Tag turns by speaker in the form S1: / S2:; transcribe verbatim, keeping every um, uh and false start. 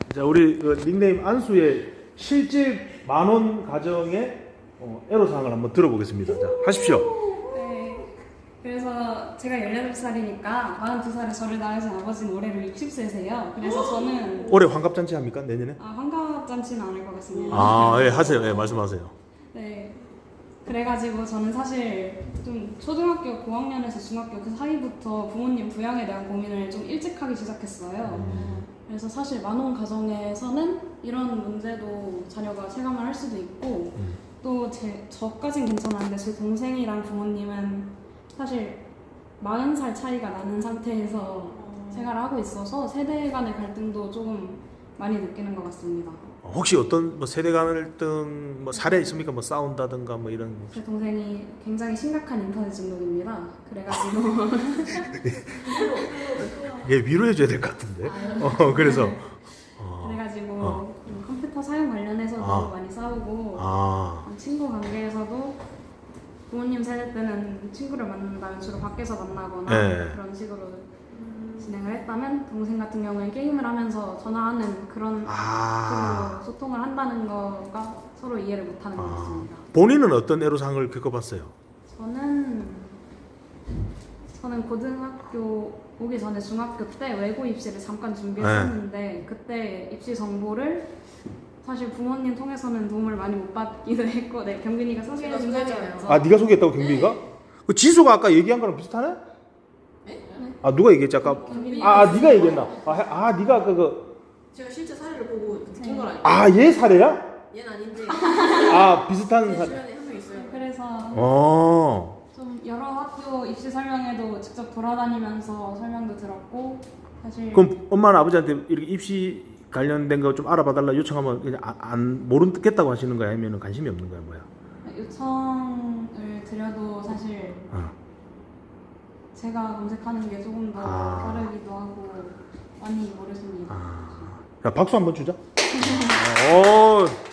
S1: 자, 우리 그 닉네임 안수의 실질 만원 가정의 어, 애로사항을 한번 들어보겠습니다. 자, 하십시오.
S2: 네. 그래서 제가 열여덟 살이니까 마흔두 살에 저를 낳으신 아버지는 올해로 육십 세세요. 그래서 저는
S1: 올해 환갑잔치 합니까? 내년에?
S2: 아, 환갑잔치는 안 할 것 같습니다.
S1: 아, 예, 하세요. 예, 말씀하세요.
S2: 네. 그래가지고 저는 사실 좀 초등학교 고학년에서 중학교 그 사이부터 부모님 부양에 대한 고민을 좀 일찍 하기 시작했어요.
S1: 음.
S2: 그래서 사실 만원 가정에서는 이런 문제도 자녀가 체감을 할 수도 있고
S1: 음.
S2: 또 제, 저까진 괜찮았는데 제 동생이랑 부모님은 사실 마흔 살 차이가 나는 상태에서 생활을 하고 있어서 세대 간의 갈등도 조금 많이 느끼는 것 같습니다.
S1: 혹시 어떤 뭐 세대 갈등 뭐 사례 있습니까? 뭐 싸운다든가 뭐 이런.
S2: 제 동생이 굉장히 심각한 인터넷 중독입니다. 그래가지고
S1: 예, 위로해줘야 될 것 같은데. 어, 그래서. 어.
S2: 그래가지고
S1: 어.
S2: 컴퓨터 사용 관련해서도
S1: 아.
S2: 많이 싸우고
S1: 아.
S2: 친구 관계에서도 부모님 세대 때는 친구를 만난다면 주로 밖에서 만나거나
S1: 네.
S2: 그런 식으로 진행을 했다면 동생 같은 경우에 게임을 하면서 전화하는 그런
S1: 아.
S2: 식으로 소통을 한다는 거가 서로 이해를 못하는 것
S1: 아.
S2: 같습니다.
S1: 본인은 어떤 애로사항을 겪어봤어요?
S2: 저는 저는 고등학교 오기 전에 중학교 때 외고 입시를 잠깐 준비했었는데
S1: 네.
S2: 그때 입시 정보를 사실 부모님 통해서는 도움을 많이 못 받기도 했고, 네, 경빈이가 소개해준 사례였죠.
S1: 아, 네가 소개했다고 경비가? 그 지수가 아까 얘기한 거랑 비슷하네?
S2: 네?
S1: 아, 누가 얘기했지 아까? 아, 아 네가 얘기했나? 아, 해- 아 네가 아까 그.
S3: 제가 실제 사례를 보고 느낀 건 아니에요.
S1: 아, 얘 사례야?
S3: 얘는 아닌데
S1: 아, 비슷한
S3: 제
S1: 사례.
S3: 주변에 한 명 있어요.
S2: 그래서
S1: 어.
S2: 좀 여러 학교 입시 설명회도 직접 돌아다니면서 설명도 들었고, 사실
S1: 그럼 엄마는 아버지한테 이렇게 입시 관련된 거 좀 알아봐달라 요청하면 그냥 안, 안 모르겠다고 하시는 거야? 아니면 관심이 없는 거야? 뭐야?
S2: 요청을 드려도 사실
S1: 어.
S2: 제가 검색하는 게 조금 더
S1: 아.
S2: 다르기도 하고 많이 모르십니다.
S1: 아. 야, 박수 한번 주자. 어.